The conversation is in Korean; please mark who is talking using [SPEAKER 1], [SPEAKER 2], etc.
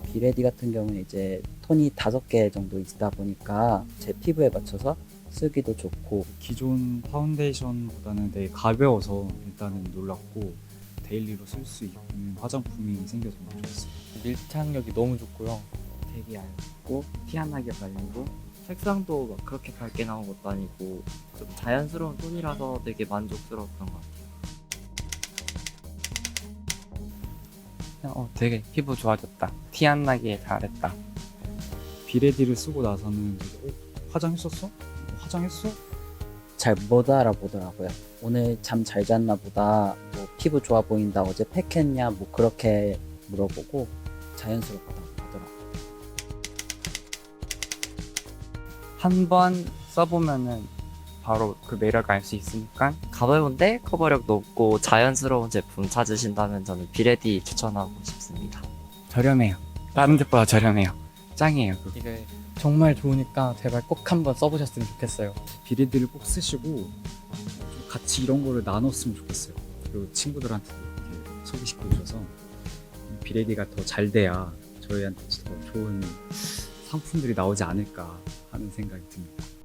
[SPEAKER 1] 비레디 같은 경우는 이제 톤이 5개 정도 있다 보니까 제 피부에 맞춰서 쓰기도 좋고,
[SPEAKER 2] 기존 파운데이션보다는 되게 가벼워서 일단은 놀랐고 데일리로 쓸 수 있는 화장품이 생겨서 너무 좋았어요.
[SPEAKER 3] 밀착력이 너무 좋고요.
[SPEAKER 4] 되게 얇고 티 안 나게 발리고 색상도 막 그렇게 밝게 나온 것도 아니고 좀 자연스러운 톤이라서 되게 만족스러웠던 것 같아요.
[SPEAKER 3] 되게 피부 좋아졌다. 티 안 나게 잘했다.
[SPEAKER 2] 비레디를 쓰고 나서는 되게, 화장했었어? 화장했어?
[SPEAKER 1] 잘 못 알아보더라고요. 오늘 잠 잘 잤나 보다, 뭐 피부 좋아 보인다, 어제 팩했냐, 뭐 그렇게 물어보고 자연스럽다고 하더라고요.
[SPEAKER 3] 한 번 써보면은 바로 그 매력을 알 수 있으니까
[SPEAKER 4] 가벼운데 커버력 높고 자연스러운 제품 찾으신다면 저는 비레디 추천하고 싶습니다.
[SPEAKER 3] 저렴해요. 다른 데보다 저렴해요. 짱이에요. 그거.
[SPEAKER 5] 이게 정말 좋으니까 제발 꼭 한번 써보셨으면 좋겠어요.
[SPEAKER 2] 비레디를 꼭 쓰시고 좀 같이 이런 거를 나눴으면 좋겠어요. 그리고 친구들한테도 이렇게 소개시켜 주셔서 비레디가 더 잘 돼야 저희한테 더 좋은 상품들이 나오지 않을까 하는 생각이 듭니다.